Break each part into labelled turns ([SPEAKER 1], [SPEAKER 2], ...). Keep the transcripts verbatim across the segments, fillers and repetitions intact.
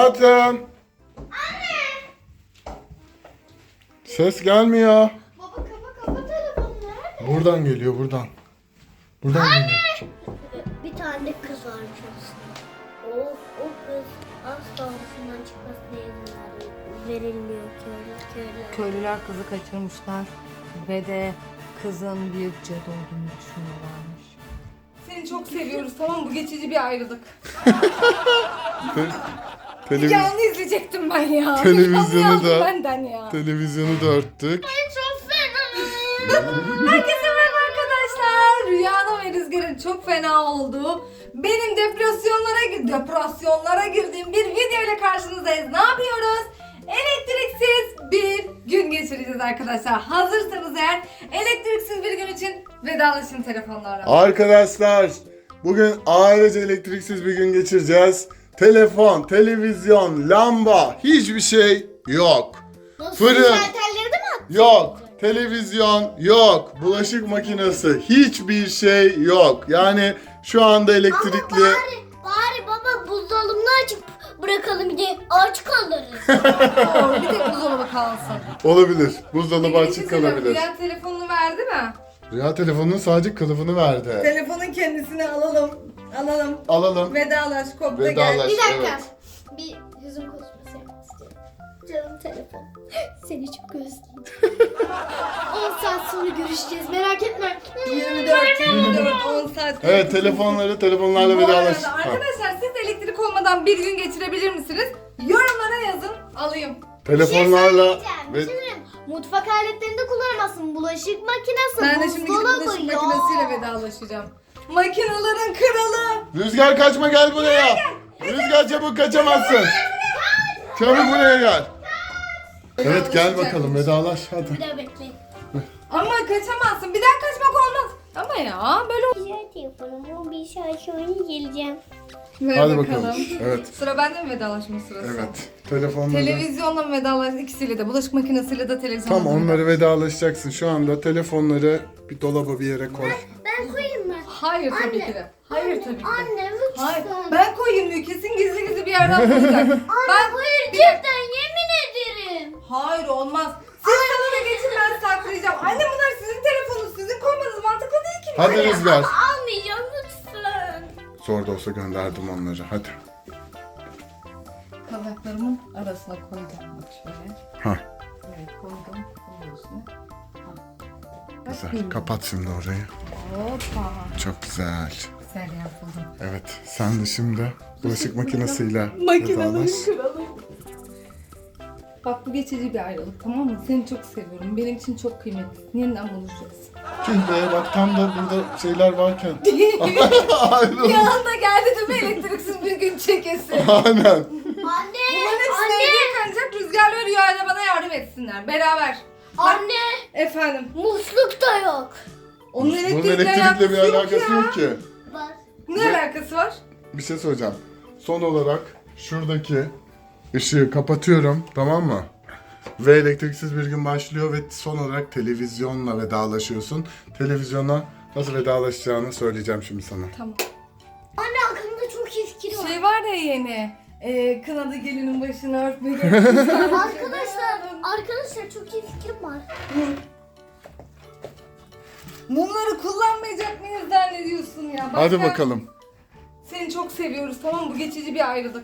[SPEAKER 1] Hayatım. Anne. Ses gelmiyor.
[SPEAKER 2] Baba kapa kapa telefonları.
[SPEAKER 1] Buradan geliyor buradan. Buradan
[SPEAKER 2] Anne.
[SPEAKER 1] geliyor.
[SPEAKER 2] Bir tane kız varmış aslında. Of o kız asla arasından çıkmasına izin verilmiyor köylü köylü.
[SPEAKER 3] Köylüler kızı kaçırmışlar ve de kızın büyük cadı olduğunu düşünüyorlarmış. Seni çok seviyoruz, tamam mı? Bu geçici bir ayrılık.
[SPEAKER 1] Televiz
[SPEAKER 3] Canlı izleyecektim ben ya.
[SPEAKER 1] Televizyonu da-
[SPEAKER 3] benden ya.
[SPEAKER 1] televizyonu da örttük.
[SPEAKER 2] Çok fena.
[SPEAKER 3] Herkese merhaba arkadaşlar. Rüyanın ve Rüzgar'ın çok fena olduğu, benim depresyonlara, depresyonlara girdiğim bir video ile karşınızdayız. Ne yapıyoruz? Elektriksiz bir gün geçireceğiz arkadaşlar. Hazırsanız eğer elektriksiz bir gün için vedalaşın telefonlarla.
[SPEAKER 1] Arkadaşlar bugün ailece elektriksiz bir gün geçireceğiz. Telefon, televizyon, lamba hiçbir şey yok. Fırın
[SPEAKER 2] Şalterleri de mi attın?
[SPEAKER 1] yok. Televizyon yok. Bulaşık makinesi hiçbir şey yok. Yani şu anda elektrikli.
[SPEAKER 2] Ama bari, bari baba buzdolabını açıp bırakalım bir de aç kalırız.
[SPEAKER 3] Doğru, bir tek buzdolabı kalsın.
[SPEAKER 1] Olabilir. Buzdolabı
[SPEAKER 3] Peki,
[SPEAKER 1] açık
[SPEAKER 3] bir şey söyleyeyim.
[SPEAKER 1] kalabilir.
[SPEAKER 3] Rüya telefonunu verdi mi?
[SPEAKER 1] Rüya telefonunun sadece kılıfını verdi.
[SPEAKER 3] Telefonun kendisini alalım. Alalım.
[SPEAKER 1] Alalım.
[SPEAKER 3] Vedalaş, kopta
[SPEAKER 1] Vedalaş.
[SPEAKER 3] gel.
[SPEAKER 2] Bir dakika.
[SPEAKER 1] Evet.
[SPEAKER 2] Bir yüzüm konuşması yapmak istiyorum. Canım telefon. Seni çok özledim. on saat sonra görüşeceğiz. Merak etme.
[SPEAKER 3] yirmi dört yirmi dört on saat.
[SPEAKER 1] Evet, telefonları telefonlarla
[SPEAKER 3] Bu
[SPEAKER 1] vedalaş.
[SPEAKER 3] arada
[SPEAKER 1] Ha.
[SPEAKER 3] arkadaşlar siz elektrik olmadan bir gün geçirebilir misiniz? Yorumlara yazın, alayım.
[SPEAKER 1] Telefonlarla ve
[SPEAKER 2] Ve... Mutfak aletlerinde kullanamazsın. Bulaşık makinesi,
[SPEAKER 3] Ben de şimdi gidip
[SPEAKER 2] buzdolabı
[SPEAKER 3] bulaşık
[SPEAKER 2] ya.
[SPEAKER 3] makinesiyle vedalaşacağım. Makinaların kralı.
[SPEAKER 1] Rüzgar kaçma, gel buraya. Rüzgar çabuk kaçamazsın. Çabuk buraya gel. Evet, gel bakalım vedalaş hadi.
[SPEAKER 2] Bir daha bekleyin.
[SPEAKER 3] Ama kaçamazsın. Bir daha kaçmak olmaz. Ama ya böyle
[SPEAKER 2] Güzel telefonum. Bir saat sonra geleceğim.
[SPEAKER 3] Ver
[SPEAKER 1] Hadi bakalım. Evet.
[SPEAKER 3] Sıra bende mi vedalaşma sırası?
[SPEAKER 1] Evet. Telefonları.
[SPEAKER 3] Televizyonla mı vedalaş? İkisiyle de. Bulaşık makinesiyle de televizyonla
[SPEAKER 1] Tam
[SPEAKER 3] da
[SPEAKER 1] onları vedalaşacaksın. Şu anda telefonları bir dolaba bir yere koy.
[SPEAKER 2] Ben koyayım mı?
[SPEAKER 3] Hayır tabii
[SPEAKER 2] Anne,
[SPEAKER 3] ki de. Hayır tabii ki de.
[SPEAKER 2] Anne lütfen.
[SPEAKER 3] Hayır. Ben koyayım diyor. Kesin gizli gizli bir yerden koyacak. ben
[SPEAKER 2] Hayır cidden yemin ederim.
[SPEAKER 3] Hayır olmaz. Siz salona geçin, ben saklayacağım. Anne bunlar sizin telefonunuz. Sizin koymanız mantıklı değil ki.
[SPEAKER 1] Hadi Rüzgar.
[SPEAKER 2] Almayacağım lütfen.
[SPEAKER 1] Zor da olsa gönderdim onları. Hadi.
[SPEAKER 3] Kazaklarımın arasına koydum bak şöyle.
[SPEAKER 1] Ha.
[SPEAKER 3] Evet koydum. Bunun üstüne. Ha. Bak,
[SPEAKER 1] Güzel.
[SPEAKER 3] bilmiyorum.
[SPEAKER 1] Kapat şimdi orayı.
[SPEAKER 3] Hoppa.
[SPEAKER 1] Çok güzel.
[SPEAKER 3] Güzel yapıldı.
[SPEAKER 1] Evet. Sen de şimdi bulaşık makinesiyle
[SPEAKER 3] Makinelerin
[SPEAKER 1] vedalaş.
[SPEAKER 3] kralı. Bak bu geçici bir ayrılık, tamam mı? Seni çok seviyorum. Benim için çok kıymetli. Yeniden buluşacağız.
[SPEAKER 1] Tüh be, bak tam da burada şeyler varken. Ayrılın.
[SPEAKER 3] Bir anda geldi değil mi elektriksiz bir gün çekesi.
[SPEAKER 1] Aynen.
[SPEAKER 2] Anne.
[SPEAKER 3] Bunların hepsi
[SPEAKER 2] Anne.
[SPEAKER 3] evde kalacak. Rüzgarla Rüya'yla bana yardım etsinler. Beraber.
[SPEAKER 2] Anne.
[SPEAKER 3] Efendim.
[SPEAKER 2] Musluk da yok.
[SPEAKER 3] Onun
[SPEAKER 1] Bunun
[SPEAKER 3] elektrikle,
[SPEAKER 1] elektrikle bir
[SPEAKER 3] alakası
[SPEAKER 1] alakası
[SPEAKER 3] ya.
[SPEAKER 1] yok ki.
[SPEAKER 2] Bak.
[SPEAKER 3] Ne alakası var?
[SPEAKER 1] Bir şey söyleyeceğim. Son olarak şuradaki ışığı kapatıyorum, tamam mı? Ve elektriksiz bir gün başlıyor ve son olarak televizyonla vedalaşıyorsun. Televizyona nasıl vedalaşacağını söyleyeceğim şimdi sana.
[SPEAKER 3] Tamam.
[SPEAKER 2] Anne aklımda çok iyi fikir var.
[SPEAKER 3] Şey var ya yeni. E, kınadı gelinin başını örtmeli.
[SPEAKER 2] Arkadaşlar, arkadaşlar çok iyi fikrim var.
[SPEAKER 3] Bunları kullanmayacak mıyız zannediyorsun ya? Bak
[SPEAKER 1] Hadi
[SPEAKER 3] ben-
[SPEAKER 1] bakalım.
[SPEAKER 3] Seni çok seviyoruz, tamam mı? Bu geçici bir ayrılık.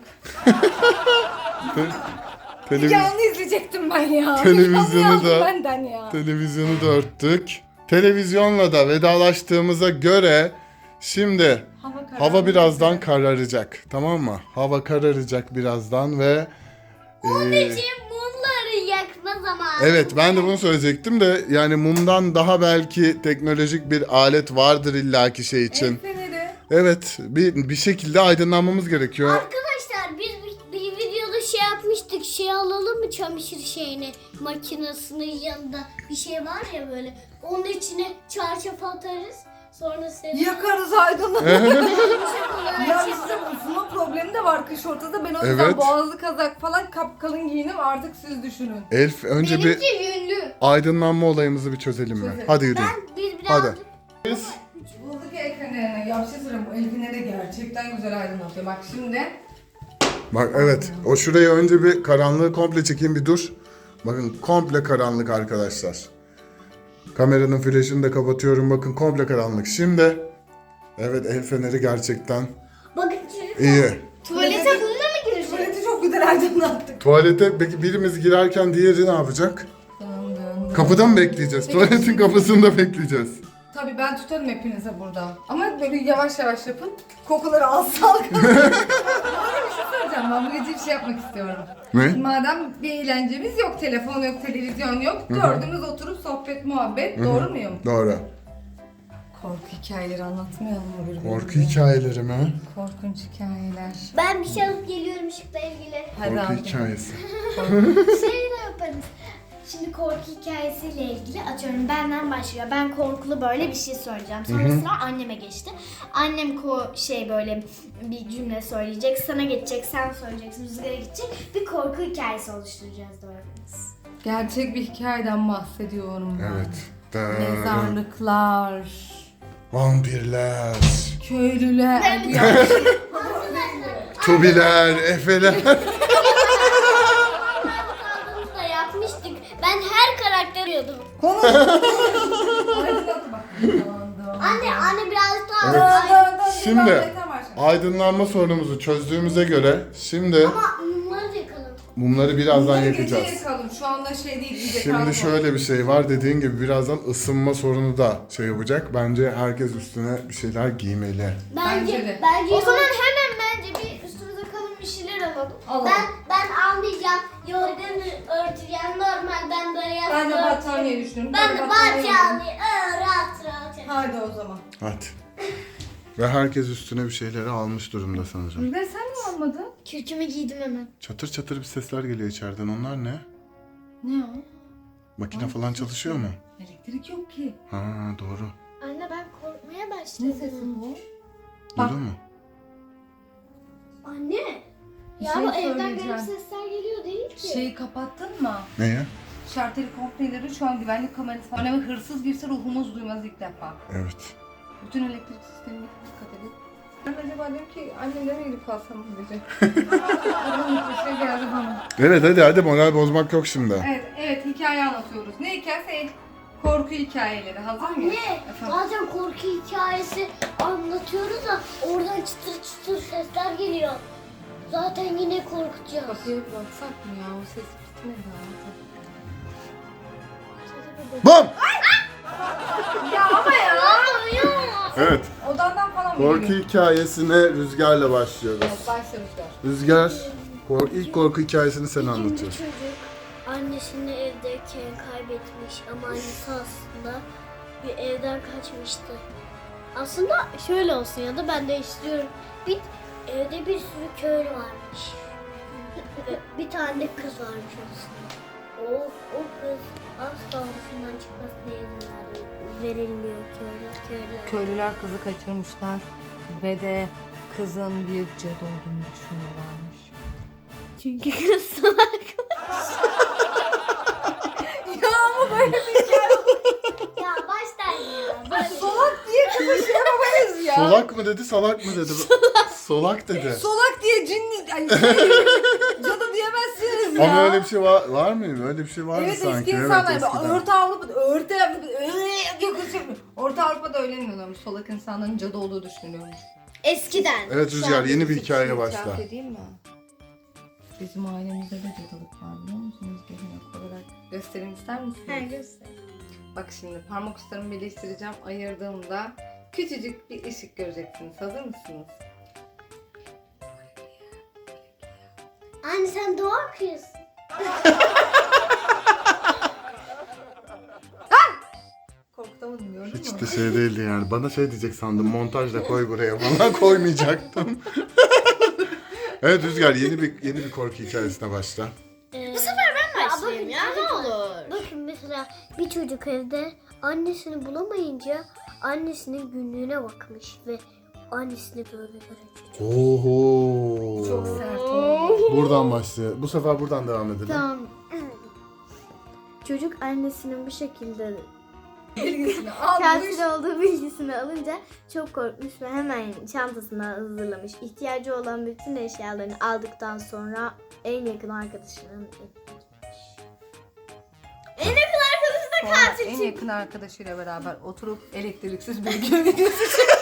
[SPEAKER 1] Televiz
[SPEAKER 3] Canlı izleyecektim ben ya.
[SPEAKER 1] Televizyonu
[SPEAKER 3] Canlı
[SPEAKER 1] da-
[SPEAKER 3] benden ya.
[SPEAKER 1] televizyonu da örttük. Televizyonla da vedalaştığımıza göre şimdi
[SPEAKER 3] Hava, karardı.
[SPEAKER 1] hava birazdan kararacak, tamam mı? Hava kararacak birazdan ve
[SPEAKER 2] Onun
[SPEAKER 1] eee,
[SPEAKER 2] için mumları yakma zamanı.
[SPEAKER 1] evet, ben de bunu söyleyecektim de yani mumdan daha belki teknolojik bir alet vardır illaki şey için.
[SPEAKER 3] El feneri.
[SPEAKER 1] Evet, bir bir şekilde aydınlanmamız gerekiyor.
[SPEAKER 2] Arkadaşlar biz bir, bir videoda şey yapmıştık. Şey alalım mı çamaşır şeyini? Makinesinin yanında bir şey var ya böyle. Onun içine çarşaf atarız. Sonra seni
[SPEAKER 3] Yakarız aydınlığı. Ya işte ısınma problemi de var kış ortada. Ben o yüzden
[SPEAKER 1] Evet.
[SPEAKER 3] boğazlı kazak falan kapkalın giyinim, artık siz düşünün.
[SPEAKER 1] Elf, önce bir
[SPEAKER 2] Benimki yünlü.
[SPEAKER 1] aydınlanma olayımızı bir çözelim mi?
[SPEAKER 3] Çözelim.
[SPEAKER 1] Hadi yürü.
[SPEAKER 2] Ben bir
[SPEAKER 1] Hadi.
[SPEAKER 2] birazcık
[SPEAKER 1] Biz
[SPEAKER 3] Bulduk el fenerini. Ya bir şey söyleyeyim, bu el feneri gerçekten güzel aydınlatıyor. Bak şimdi
[SPEAKER 1] Bak evet, o şurayı önce bir karanlığı komple çekeyim, bir dur. Bakın komple karanlık arkadaşlar. Kameranın flaşını da kapatıyorum, bakın komple karanlık. Şimdi evet, el feneri gerçekten
[SPEAKER 2] Bakın çocuk.
[SPEAKER 1] iyi.
[SPEAKER 2] Tuvalete bununla mı girecek?
[SPEAKER 3] Tuvaleti çok güzel aydınlattık.
[SPEAKER 1] Tuvalete peki birimiz girerken diğeri ne yapacak?
[SPEAKER 3] Dön, dön, dön.
[SPEAKER 1] Kapıda mı bekleyeceğiz?
[SPEAKER 3] Peki.
[SPEAKER 1] Tuvaletin kapısında bekleyeceğiz.
[SPEAKER 3] Tabii ben tutarım hepinize burada. Ama böyle yavaş yavaş yapın. Kokuları az salgın. Bu arada bir şey söyleyeceğim. Ben bu gece bir şey yapmak istiyorum.
[SPEAKER 1] Ne?
[SPEAKER 3] Madem bir eğlencemiz yok, telefon yok, televizyon yok. Dördümüz oturup sohbet, muhabbet. Doğru muyum?
[SPEAKER 1] Doğru.
[SPEAKER 3] Korku hikayeleri anlatmayalım mı birbirimize?
[SPEAKER 1] Korku hikayeleri mi?
[SPEAKER 3] Korkunç hikayeler.
[SPEAKER 2] Ben bir şey alıp geliyorum ışıkla ilgili.
[SPEAKER 3] Hadi
[SPEAKER 1] Korku
[SPEAKER 3] abi.
[SPEAKER 1] hikayesi.
[SPEAKER 2] Şey de yaparız. Şimdi korku hikayesiyle ilgili atıyorum benden başlıyor. Ben korkulu böyle bir şey söyleyeceğim. Sonra sıra anneme geçti. Annem ko şey böyle bir cümle söyleyecek. Sana geçecek, sen söyleyeceksin, rüzgara gidecek. Bir korku hikayesi oluşturacağız dördümüz.
[SPEAKER 3] Gerçek bir hikayeden bahsediyorum ben.
[SPEAKER 1] Evet. Da-
[SPEAKER 3] Mezarlıklar,
[SPEAKER 1] Vampirler,
[SPEAKER 3] köylüler.
[SPEAKER 2] Ben-
[SPEAKER 3] Ya,
[SPEAKER 1] tubiler, efeler.
[SPEAKER 2] Kaldığımızda yapmıştık. Ben her karakter arıyordum.
[SPEAKER 3] Konuş. Aydınlat bak.
[SPEAKER 2] Anne, anne biraz daha...
[SPEAKER 1] Evet.
[SPEAKER 2] Ay,
[SPEAKER 1] Şimdi aydınlanma sorunumuzu çözdüğümüze göre şimdi
[SPEAKER 2] ama mumları da yakalım.
[SPEAKER 1] mumları birazdan
[SPEAKER 3] Bunları gece
[SPEAKER 1] yakacağız.
[SPEAKER 3] yakalım. Şu anda şey değil. iyice
[SPEAKER 1] Şimdi
[SPEAKER 3] karanlık
[SPEAKER 1] şöyle bir şey var, dediğin gibi birazdan ısınma sorunu da şey yapacak. Bence herkes üstüne bir şeyler giymeli.
[SPEAKER 2] Bence,
[SPEAKER 3] Bence de.
[SPEAKER 2] bence o zaman hemen bence bir üstümüze kalın bir şeyler alalım.
[SPEAKER 3] Alalım.
[SPEAKER 2] Ben ben almayacağım. Yorganı örteceğim. Normal ben böyle
[SPEAKER 3] olsun. Ben de
[SPEAKER 2] yastığı
[SPEAKER 3] battaniye düşündüm.
[SPEAKER 2] Ben de battaniye alayım. Aa, rahat rahat. yat.
[SPEAKER 3] Hadi o zaman.
[SPEAKER 1] Hadi. Ve herkes üstüne bir şeyleri almış durumda sanırım.
[SPEAKER 3] Ve sen mi almadın?
[SPEAKER 2] Kürkümü giydim hemen.
[SPEAKER 1] Çatır çatır bir sesler geliyor içeriden. Onlar ne?
[SPEAKER 3] Ne o?
[SPEAKER 1] Makine falan çalışıyor mu?
[SPEAKER 3] Elektrik yok ki.
[SPEAKER 1] Ha doğru.
[SPEAKER 2] Anne ben korkmaya
[SPEAKER 3] Ne
[SPEAKER 2] başladım.
[SPEAKER 3] sesi bu? Bak.
[SPEAKER 1] Duydun mu?
[SPEAKER 2] Anne.
[SPEAKER 3] Bir
[SPEAKER 2] Ya
[SPEAKER 3] şey
[SPEAKER 2] bu evden
[SPEAKER 3] söyleyeceğim.
[SPEAKER 2] garip sesler geliyor değil ki.
[SPEAKER 3] Şeyi kapattın mı?
[SPEAKER 1] Neye?
[SPEAKER 3] Şarteli kompleyleri şu an güvenlik kamerası var. Ve hırsız girse ruhumuz duymaz ilk defa.
[SPEAKER 1] Evet.
[SPEAKER 3] Bütün elektrik sistemine dikkat edin. Ben acaba diyorum ki annemle mi gidip kalsam bu gece? Aklımda bir şey geldi bana.
[SPEAKER 1] Evet hadi hadi, moral bozmak yok şimdi.
[SPEAKER 3] Evet, evet hikaye anlatıyoruz. Ne hikayesi? Korku hikayeleri. Hazır mıyız?
[SPEAKER 2] Anne,
[SPEAKER 3] Efendim?
[SPEAKER 2] bazen korku hikayesi anlatıyoruz da oradan çıtır çıtır sesler geliyor. Zaten yine korkutacağız.
[SPEAKER 3] Kapıya bir baksak mı ya? O ses bitmedi artık.
[SPEAKER 1] Bum!
[SPEAKER 3] Ya ama ya!
[SPEAKER 1] Evet.
[SPEAKER 3] Odandan falan mı
[SPEAKER 1] Korku
[SPEAKER 3] geliyor?
[SPEAKER 1] hikayesine Rüzgar'la başlıyoruz.
[SPEAKER 3] Evet, başlamışlar.
[SPEAKER 1] Rüzgar, kor- ilk korku hikayesini sen
[SPEAKER 2] Bir gün bir
[SPEAKER 1] anlatıyorsun.
[SPEAKER 2] çocuk annesini evdeyken kaybetmiş ama annesi aslında bir evden kaçmıştı. Aslında şöyle olsun ya da ben değiştiriyorum. Bir evde bir sürü köylü varmış. Ve bir tane de kız varmış aslında. O, o kız asla odasından çıkmasına izin ver- verilmiyor köylü, köylüler.
[SPEAKER 3] Köylüler kızı kaçırmışlar ve de kızın bir cadı olduğunu düşünüyorlarmış.
[SPEAKER 2] Çünkü kız salak.
[SPEAKER 3] Ya ama böyle bir hikaye.
[SPEAKER 2] Ya baştan ya. Böyle.
[SPEAKER 3] Solak diye kızı şey yapamayız ya.
[SPEAKER 1] Solak mı dedi, salak mı dedi? Solak dedi.
[SPEAKER 3] Solak diye cinli, ay, şey, cadı diyemezsiniz ya.
[SPEAKER 1] Ama öyle bir şey var, var mı? Öyle bir şey vardı
[SPEAKER 3] Evet
[SPEAKER 1] sanki.
[SPEAKER 3] eski insanlar
[SPEAKER 1] evet,
[SPEAKER 3] evet,
[SPEAKER 1] eskiden.
[SPEAKER 3] Orta Avrupa'da, Orta Avrupa'da, Orta Avrupa'da öyle inanıyormuş. Solak insanların cadı olduğu düşünülüyormuş.
[SPEAKER 2] Eskiden.
[SPEAKER 1] Evet Rüzgar, yeni bir hikaye başla.
[SPEAKER 3] İtiraf edeyim mi? Bizim ailemizde de cadılık var biliyor musunuz? Gelenek olarak. Göstereyim ister misiniz?
[SPEAKER 2] Her göster.
[SPEAKER 3] Bak şimdi parmak uçlarımı birleştireceğim. Ayırdığımda küçücük bir ışık göreceksiniz. Hazır mısınız?
[SPEAKER 2] Anne sen doğa kız.
[SPEAKER 3] Korkutamadım gördün
[SPEAKER 1] Hiç
[SPEAKER 3] mü?
[SPEAKER 1] de şey değildi yani. Bana şey diyecek sandım, montajla koy buraya falan, koymayacaktım. Evet Rüzgar, yeni bir yeni bir korku hikayesine başla.
[SPEAKER 2] Bu sefer ben başlayayım ya, ne olur. Bakın mesela bir çocuk evde annesini bulamayınca annesinin günlüğüne bakmış ve annesini böyle görecek.
[SPEAKER 1] Oho.
[SPEAKER 3] Çok sert oldu.
[SPEAKER 1] Buradan başlıyor. Bu sefer buradan devam edelim.
[SPEAKER 2] Tamam. Çocuk annesinin bu şekilde
[SPEAKER 3] Bilgisini almış.
[SPEAKER 4] Katil olduğu bilgisini alınca çok korkmuş ve hemen çantasına hazırlamış. İhtiyacı olan bütün eşyalarını aldıktan sonra en yakın arkadaşının en yakın arkadaşı da
[SPEAKER 3] Sonra
[SPEAKER 4] katil
[SPEAKER 3] en
[SPEAKER 4] çıktı.
[SPEAKER 3] yakın arkadaşıyla beraber oturup elektriksiz bir gün videosu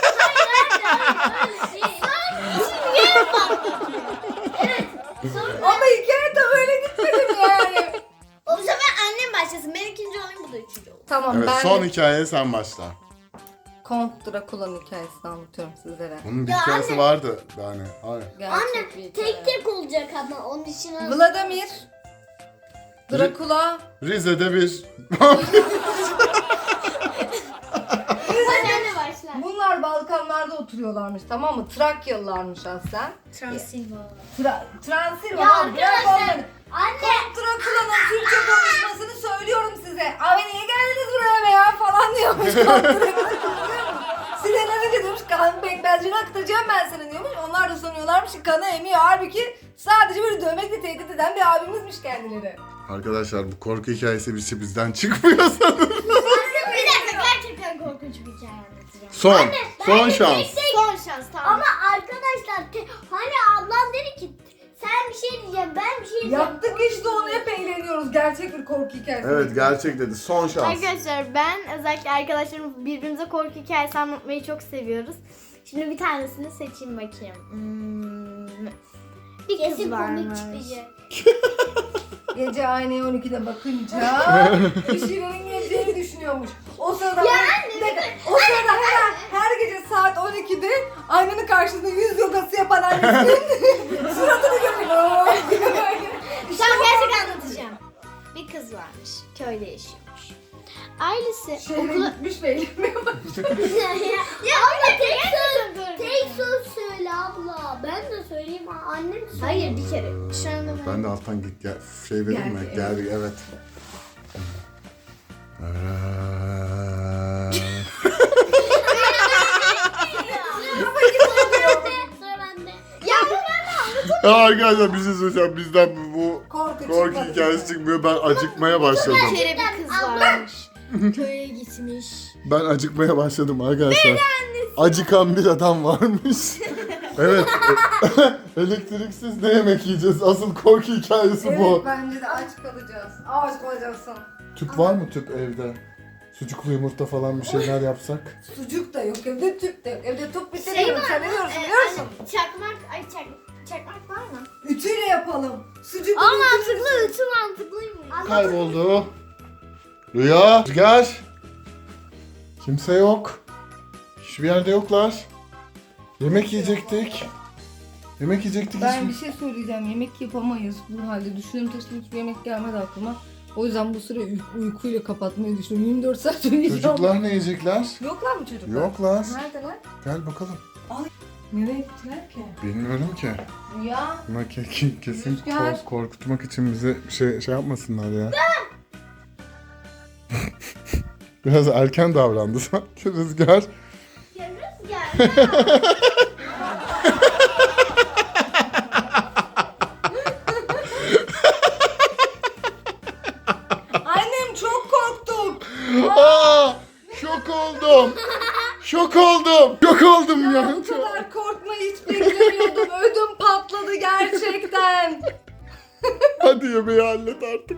[SPEAKER 3] Ama hikaye de öyle gitmedim yani.
[SPEAKER 4] O sefer annem başlasın. Ben ikinci olayım, bu da üçüncü olur.
[SPEAKER 3] Tamam
[SPEAKER 1] Evet,
[SPEAKER 3] ben
[SPEAKER 1] son
[SPEAKER 3] de
[SPEAKER 1] hikayeye sen başla.
[SPEAKER 3] Kont Drakula'nın hikayesini anlatıyorum sizlere.
[SPEAKER 1] Bunun bir
[SPEAKER 2] Ya
[SPEAKER 1] hikayesi
[SPEAKER 2] anne.
[SPEAKER 1] vardı yani. Hayır.
[SPEAKER 3] Gerçek bir hikaye.
[SPEAKER 2] Tek tek olacak ama onun için az-
[SPEAKER 3] Vladimir Drakula
[SPEAKER 1] Rize'de bir...
[SPEAKER 2] Hadi anne başla.
[SPEAKER 3] bunlar Balkanlarda oturuyorlarmış, tamam mı? Trakyalılarmış aslen.
[SPEAKER 2] Transilvanya.
[SPEAKER 3] Tra Transilvanya.
[SPEAKER 2] Ya
[SPEAKER 3] Bırak
[SPEAKER 2] arkadaşlar,
[SPEAKER 3] onları.
[SPEAKER 2] Anne.
[SPEAKER 3] Kont Drakula'nın Türkçe konuşmasını söylüyorum size. Abi niye geldiniz buraya be ya falan diyormuş Kont Drakula. Sinirlenince diyormuş kan pekmezcini akıtacağım ben sana diyormuş. Onlar da sanıyorlarmış ki kanı emiyor. Halbuki sadece böyle dövmekle tehdit eden bir abimizmiş kendileri.
[SPEAKER 1] Arkadaşlar bu korku hikayesi bir şey bizden çıkmıyor sanırım.
[SPEAKER 2] Bir dakika, gerçekten korkunç bir hikaye anlatacağım.
[SPEAKER 1] Son. son
[SPEAKER 2] Ben
[SPEAKER 1] şans.
[SPEAKER 2] tek tek-
[SPEAKER 4] Son şans, tamam.
[SPEAKER 2] Ama arkadaşlar te- hani ablam dedi ki sen bir şey diyeceğim, ben bir şey diyeceğim.
[SPEAKER 3] Yaptık işte onu, hep eğleniyoruz. Gerçek bir korku hikayesi.
[SPEAKER 1] Evet, gerçek dedi. Son şans.
[SPEAKER 4] Arkadaşlar ben özellikle arkadaşlarım birbirimize korku hikayesi anlatmayı çok seviyoruz. Şimdi bir tanesini seçeyim bakayım. Hmm. Bir kız
[SPEAKER 2] Kesin komik
[SPEAKER 4] varmış.
[SPEAKER 2] çıkacak.
[SPEAKER 3] Gece aynaya on ikide bakınca bir şeylerin geleceğini düşünüyormuş. O sırada bir dakika, o sırada her, her gece saat on ikide aynanın karşısında yüz yogası yapan annesinin suratını görüyor. İşte
[SPEAKER 4] Tamam,
[SPEAKER 3] bu
[SPEAKER 4] gerçek anlatacağım. Bir kız varmış. Köyde yaşıyormuş. Ailesi
[SPEAKER 3] şehre
[SPEAKER 4] okula...
[SPEAKER 3] gitmiş ve eğlenmeye başlamış.
[SPEAKER 2] Ya abla tek söz, tek söz söyle abla. Ben de söyleyeyim, annem söyle.
[SPEAKER 4] Hayır, bir kere. Şu anda ben...
[SPEAKER 1] Ben de alttan git gel. Şey vereyim mi?
[SPEAKER 3] Geldi,
[SPEAKER 1] Geldi, evet.
[SPEAKER 2] Sıra bende.
[SPEAKER 4] Ya bu ben de
[SPEAKER 1] Ya arkadaşlar bir şey söyleyeceğim. Bizden bu
[SPEAKER 3] Korku
[SPEAKER 1] korku
[SPEAKER 3] çıkmadı.
[SPEAKER 1] hikayesi çıkmıyor. Ben acıkmaya başladım.
[SPEAKER 4] bir kere bir kız varmış. Köye gitmiş.
[SPEAKER 1] Ben acıkmaya başladım arkadaşlar. Acıkan bir adam varmış. Evet. e- Elektriksiz ne yemek yiyeceğiz? Asıl korku hikayesi
[SPEAKER 3] Evet,
[SPEAKER 1] bu.
[SPEAKER 3] bence de aç kalacağız. Aç kalacaksın.
[SPEAKER 1] Tüp var mı tüp evde? Sucuklu yumurta falan bir şeyler yapsak.
[SPEAKER 3] Sucuk da yok evde, tüp de yok. Evde tüp
[SPEAKER 4] Şey
[SPEAKER 3] bitiriyorum.
[SPEAKER 4] var
[SPEAKER 3] Sen
[SPEAKER 4] mı?
[SPEAKER 3] ne diyorsun
[SPEAKER 4] Ee,
[SPEAKER 3] biliyor musun?
[SPEAKER 4] hani çakmak, ay çak, çakmak var mı?
[SPEAKER 3] Ütüyle yapalım. Sucuk
[SPEAKER 4] Aa, mantıklı, ütü mantıklıymış.
[SPEAKER 1] Kayboldu. Rüya. Rüzgar. Kimse yok. Hiçbir yerde yoklar. Yemek yiyecektik. Yemek yiyecektik.
[SPEAKER 3] Ben
[SPEAKER 1] hiçbir-
[SPEAKER 3] bir şey söyleyeceğim. Yemek yapamayız bu halde. Düşündüm taşıdım, hiçbir yemek gelmedi aklıma. O yüzden bu süreyi uy- uykuyla kapatmayı düşünüyorum. yirmi dört saat uyuyacağım.
[SPEAKER 1] Çocuklar ne yiyecekler?
[SPEAKER 3] Yoklar mı çocuklar?
[SPEAKER 1] Yoklar.
[SPEAKER 3] Neredeler?
[SPEAKER 1] Gel bakalım.
[SPEAKER 3] Nereye gittiler ki?
[SPEAKER 1] Bilmiyorum ki.
[SPEAKER 3] Rüya.
[SPEAKER 1] Buna ke- kesin
[SPEAKER 3] Rüzgar.
[SPEAKER 1] kork- korkutmak için bize şey şey yapmasınlar ya. Biraz erken davrandı sanki Rüzgar.
[SPEAKER 2] Ya Rüzgar.
[SPEAKER 3] Annem çok korktuk.
[SPEAKER 1] Aa, şok oldum. Şok oldum. Şok oldum ya.
[SPEAKER 3] Bu kadar korkmayı hiç beklemiyordum. Ödüm patladı gerçekten.
[SPEAKER 1] Hadi yemeği hallet artık.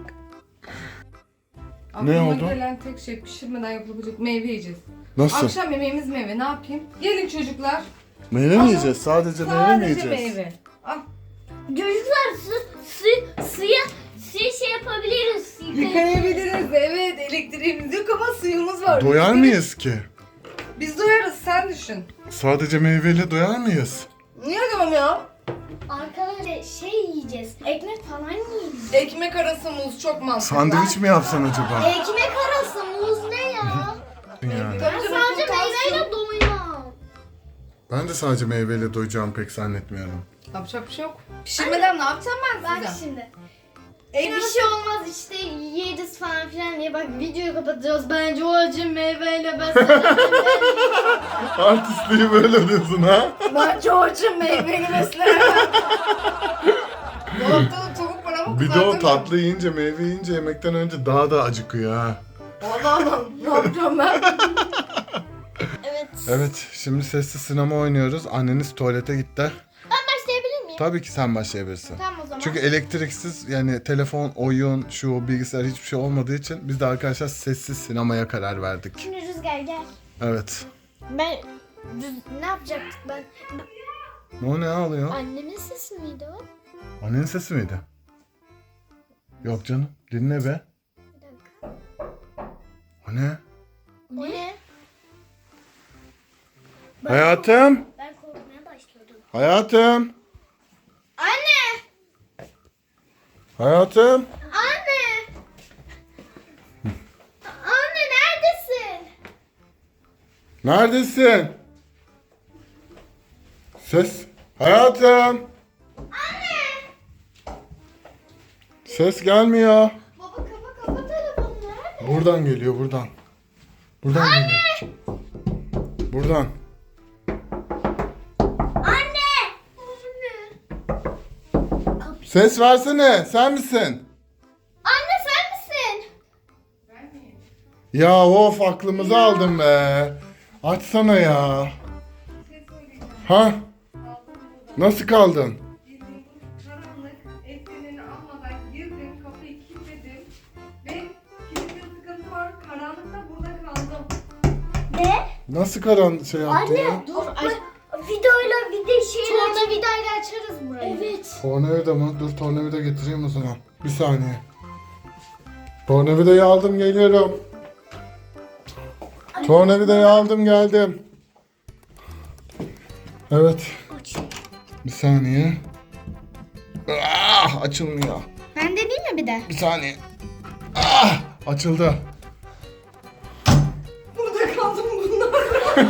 [SPEAKER 3] Aklıma
[SPEAKER 1] oldu?
[SPEAKER 3] gelen tek şey pişirmeden yapılabilecek meyve yiyeceğiz.
[SPEAKER 1] Nasıl?
[SPEAKER 3] Akşam yemeğimiz meyve. Ne yapayım? Gelin çocuklar.
[SPEAKER 1] Meyve mi yiyeceğiz? Sadece meyve mi
[SPEAKER 3] Sadece
[SPEAKER 1] yiyeceğiz?
[SPEAKER 3] meyve. Al.
[SPEAKER 2] Çocuklar su, su, suya, suya şey yapabiliriz.
[SPEAKER 3] Yıkayabiliriz. Evet, elektriğimiz yok ama suyumuz var.
[SPEAKER 1] Doyar mıyız ki?
[SPEAKER 3] Biz doyarız, sen düşün.
[SPEAKER 1] Sadece meyveyle doyar mıyız?
[SPEAKER 3] Niye diyorum ya?
[SPEAKER 2] Arkadaşlar şey yiyeceğiz. Ekmek falan yiyeceğiz.
[SPEAKER 3] Ekmek arası muz çok mantıklı.
[SPEAKER 1] Sandviç mi yapsan acaba?
[SPEAKER 2] Ekmek arası muz ne ya?
[SPEAKER 1] Ya.
[SPEAKER 3] Tabii
[SPEAKER 2] Ben
[SPEAKER 3] canım,
[SPEAKER 2] sadece
[SPEAKER 3] potasyum.
[SPEAKER 2] meyveyle doymam.
[SPEAKER 1] Ben de sadece meyveyle doyacağımı pek zannetmiyorum.
[SPEAKER 3] Yapacak bir şey yok. Pişirmeden ne yapacağım ben
[SPEAKER 4] Bak
[SPEAKER 3] size?
[SPEAKER 4] şimdi.
[SPEAKER 3] Ekmek-
[SPEAKER 4] Bir şey olmaz işte yeriz falan filan diye bak videoyu kapatacağız. Bence o acı meyveyle beslenelim.
[SPEAKER 1] Artistliği böyle diyorsun ha?
[SPEAKER 3] Bence o açım meyveli beslenemem. Dolapta da tavuk var ama
[SPEAKER 1] Bir de o
[SPEAKER 3] kızartamıyorum.
[SPEAKER 1] tatlı yiyince, meyve yiyince yemekten önce daha da acıkıyor ha.
[SPEAKER 3] Allah Allah. Ne yapacağım ben?
[SPEAKER 2] Evet.
[SPEAKER 1] Evet, şimdi sessiz sinema oynuyoruz. Anneniz tuvalete gitti.
[SPEAKER 2] Ben başlayabilir miyim?
[SPEAKER 1] Tabii ki sen başlayabilirsin.
[SPEAKER 2] Tamam o zaman.
[SPEAKER 1] Çünkü elektriksiz yani telefon, oyun, şu bilgisayar hiçbir şey olmadığı için biz de arkadaşlar sessiz sinemaya karar verdik.
[SPEAKER 2] Şimdi Rüzgar gel.
[SPEAKER 1] Evet.
[SPEAKER 2] Ben Rüz- ne yapacaktık ben?
[SPEAKER 1] Ne o ne ağlıyor?
[SPEAKER 2] Annemin sesi miydi o?
[SPEAKER 1] Annenin sesi miydi? Yok canım. Dinle be.
[SPEAKER 2] Bir dakika.
[SPEAKER 1] O ne?
[SPEAKER 2] O ne?
[SPEAKER 1] Hayatım.
[SPEAKER 2] Ben korkmaya başladım.
[SPEAKER 1] Hayatım.
[SPEAKER 2] Anne!
[SPEAKER 1] Hayatım.
[SPEAKER 2] Anne! Anne neredesin?
[SPEAKER 1] Neredesin? Ses. Hayatım.
[SPEAKER 2] Anne!
[SPEAKER 1] Ses gelmiyor.
[SPEAKER 2] Baba kapa kapa telefonu nerede?
[SPEAKER 1] Buradan geliyor buradan. Buradan geliyor. Buradan.
[SPEAKER 2] Anne! Anne!
[SPEAKER 1] Ses versene. Sen misin?
[SPEAKER 2] Anne sen misin?
[SPEAKER 1] Ya of aklımızı aldın be. Açsana ya. Ha? Nasıl kaldın?
[SPEAKER 3] Bildiğin karanlık, ekranını almadan girdim, kapıyı kilitledim ve kilitte sıkıntı var. Karanlıkta burada kaldım.
[SPEAKER 2] Ne?
[SPEAKER 1] Nasıl karan şey yaptın ya?
[SPEAKER 2] Anne dur. Ay, videoyla bir de şey Tornavidayla açarız burayı. Evet.
[SPEAKER 1] Tornavida mı? Dur tornavida getireyim o zaman. Bir saniye. Tornavidayı aldım geliyorum. Tornavidayı aldım geldim. Evet.
[SPEAKER 2] Aç.
[SPEAKER 1] Bir saniye. Ah, açılmıyor.
[SPEAKER 2] Ben deneyeyim mi bir de?
[SPEAKER 1] Bir saniye. Ah, açıldı.
[SPEAKER 3] Burada kaldım bunlar.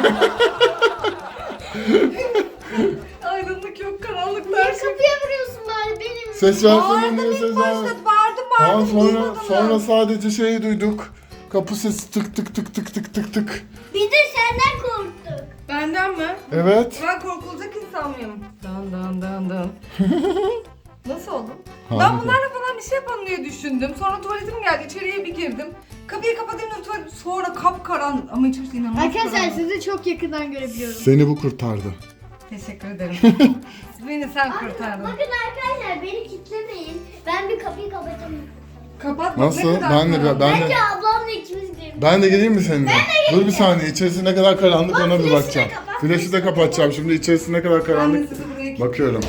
[SPEAKER 3] Aydınlık yok, karanlık
[SPEAKER 2] Niye
[SPEAKER 3] her şey.
[SPEAKER 2] kapıya vuruyorsun bari benim?
[SPEAKER 1] Ses versene
[SPEAKER 3] Bağırdım
[SPEAKER 1] niye
[SPEAKER 3] ilk
[SPEAKER 1] ses
[SPEAKER 3] başta,
[SPEAKER 1] vermiyor?
[SPEAKER 3] bağırdım
[SPEAKER 1] Tamam
[SPEAKER 3] bağırdım.
[SPEAKER 1] sonra
[SPEAKER 3] duymadım
[SPEAKER 1] sonra
[SPEAKER 3] ben.
[SPEAKER 1] sadece şeyi duyduk. Kapı sesi tık tık tık tık tık tık tık.
[SPEAKER 2] Bir de senden korktuk.
[SPEAKER 3] Benden mi?
[SPEAKER 1] Evet.
[SPEAKER 3] Ben korkulacak insan mıyım? Dan dan dan dan. Nasıl oldum?
[SPEAKER 1] Harika.
[SPEAKER 3] Ben bunlarla falan bir şey yapalım diye düşündüm. Sonra tuvaletim geldi. İçeriye bir girdim. Kapıyı kapatayım da tuvalet sonra kapkaran ama içerisi inanılmaz
[SPEAKER 2] Arkadaşlar
[SPEAKER 3] karanlık.
[SPEAKER 2] sizi çok yakından görebiliyorum.
[SPEAKER 1] Seni bu kurtardı.
[SPEAKER 3] Teşekkür ederim. Beni sen kurtardın.
[SPEAKER 2] Bakın arkadaşlar beni kitlemeyin. Ben bir kapıyı kapatayım.
[SPEAKER 3] Kapat.
[SPEAKER 1] Nasıl?
[SPEAKER 3] Ne kadar
[SPEAKER 1] Ben de
[SPEAKER 3] karanlık.
[SPEAKER 1] ben de
[SPEAKER 2] Bence ablamla ikimiz girelim.
[SPEAKER 1] ben de geleyim mi seninle? Dur bir saniye. İçerisi ne kadar karanlık ona bir
[SPEAKER 2] flaşı da
[SPEAKER 1] bakacağım.
[SPEAKER 2] kapat,
[SPEAKER 1] Flaşı da kapatacağım. Şimdi içerisi ne kadar
[SPEAKER 3] Ben de
[SPEAKER 1] karanlık
[SPEAKER 3] sizi buraya
[SPEAKER 1] bakıyorum.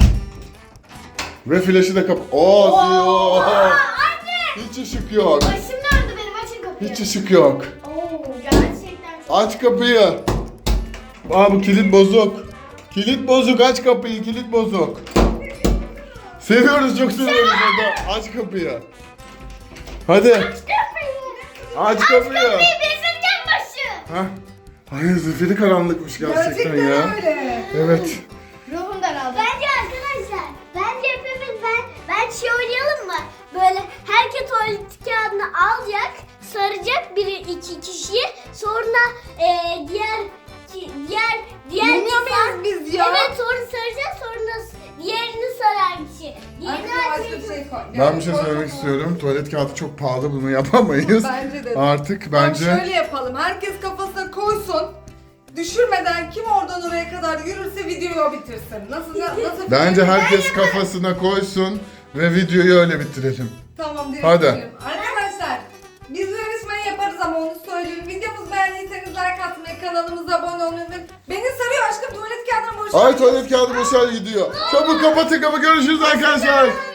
[SPEAKER 1] Ve flaşı da kap. Oo, Oo Hiç ışık yok.
[SPEAKER 2] Başım döndü benim açın kapıyı.
[SPEAKER 1] Hiç ışık yok.
[SPEAKER 2] Oo gerçekten çok.
[SPEAKER 1] Aç kapıyı. Aa bu kilit bozuk. Kilit bozuk. Aç kapıyı. Kilit bozuk. Seviyoruz çok seviyoruz orada. Aç kapıyı. Hadi.
[SPEAKER 2] Kapıyı.
[SPEAKER 1] Aç kapıyı.
[SPEAKER 2] Kapıyı bezirgen başı.
[SPEAKER 1] Hah. Hayır zifiri karanlıkmış gerçekten,
[SPEAKER 3] Gerçekten
[SPEAKER 1] ya.
[SPEAKER 3] öyle.
[SPEAKER 1] Evet.
[SPEAKER 2] Ruhum daraldı. Bence arkadaşlar, bence hepimiz ben, ben şey oynayalım mı? Böyle herkes tuvalet kağıdını alacak, saracak biri iki kişiyi, sonra e, diğer ki- diğer diğer
[SPEAKER 3] Bilmiyor
[SPEAKER 2] insan-
[SPEAKER 3] muyuz biz ya?
[SPEAKER 2] Evet sonra saracak, sonra s- diğerini saran kişi. Diğerini
[SPEAKER 3] Arkadaşlar
[SPEAKER 2] açacak.
[SPEAKER 3] başka bir şey koy.
[SPEAKER 1] Ben bir şey
[SPEAKER 3] koy
[SPEAKER 1] söylemek
[SPEAKER 3] bakalım.
[SPEAKER 1] istiyorum. Tuvalet kağıdı çok pahalı, bunu yapamayız.
[SPEAKER 3] Bence de.
[SPEAKER 1] Artık
[SPEAKER 3] Tamam,
[SPEAKER 1] bence
[SPEAKER 3] şöyle yapalım. Herkes kafasına koysun. Düşürmeden kim oradan oraya kadar yürürse videoyu o bitirsin. Nasıl nasıl?
[SPEAKER 1] bence herkes kafasına koysun ve videoyu öyle bitirelim.
[SPEAKER 3] Tamam direkt
[SPEAKER 1] Hadi.
[SPEAKER 3] gidelim. Arkadaşlar biz bu yarışmayı yaparız ama onu söyleyeyim. Videomuzu beğendiyseniz like atmayı, kanalımıza abone olmayı unutmayın. Beni sarıyor aşkım tuvalet kağıdına boşver.
[SPEAKER 1] Ay tuvalet kağıdı boşal gidiyor. Çabuk kapatın kapı, görüşürüz arkadaşlar.